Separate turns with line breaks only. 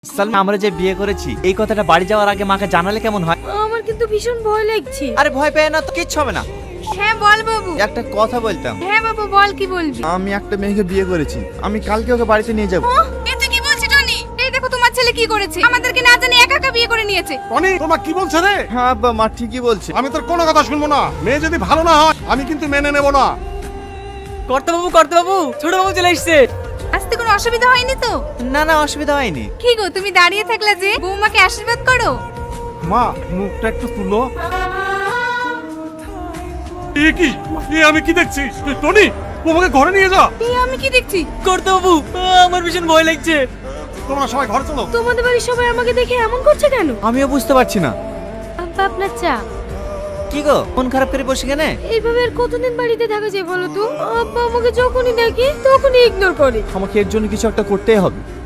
সালমা, আমরা যে বিয়ে করেছি এই কথাটা বাড়ি যাওয়ার আগে মাকে জানালে কেমন হয়?
আমার কিন্তু ভীষণ ভয় লাগছে।
আরে ভয় পেয়ে না তো, কিচ্ছু হবে না।
হ্যাঁ বল বাবু।
একটা কথা বলতাম।
হ্যাঁ বাবু বল, কি বলবি?
আমি একটা মেয়েকে বিয়ে করেছি, আমি কালকে ওকে বাড়িতে নিয়ে যাব।
এ তুই কি বলছিস টনি? এই দেখো তোমার ছেলে কি করেছে, আমাদেরকে না জানি একা একা বিয়ে করে নিয়েছে।
টনি, তোমার কি বলছে রে?
হ্যাঁ আব্বা, মা ঠিকই বলছে।
আমি তোর কোনো কথা শুনবো না। মেয়ে যদি ভালো না হয় আমি কিন্তু মেনে নেব না।
কর্তাবাবু, ছোট বাবু চলে এসেছে।
আসতে কোনো অসুবিধা হয়নি তো?
না না, অসুবিধা হয়নি।
কি গো তুমি দাঁড়িয়ে থাকলে যে, বৌমাকে আশীর্বাদ করো।
মা, মুখটা একটু তুলো। এ কি? আমি কি দেখছি? টনি, তোমাকে ঘরে নিয়ে যা।
এই আমি কি দেখছি?
কর্তাবাবু, আমার ভীষণ ভয় লাগছে।
তোমরা সবাই ঘরে চলো।
তোমাদের বাড়ির সবাই আমাকে দেখে এমন করছে কেন?
আমিও বুঝতে পারছি না।
আব্বা আপনার চা।
কি গো, মন খারাপ করে বসে কেন?
এইভাবে আর কতদিন বাড়িতে থাকা যায় বলো তো? আব্বা আমাকে যখনই দেখে তখনই ইগনোর করে।
আমাকে এর জন্য কিছু একটা করতেই হবে।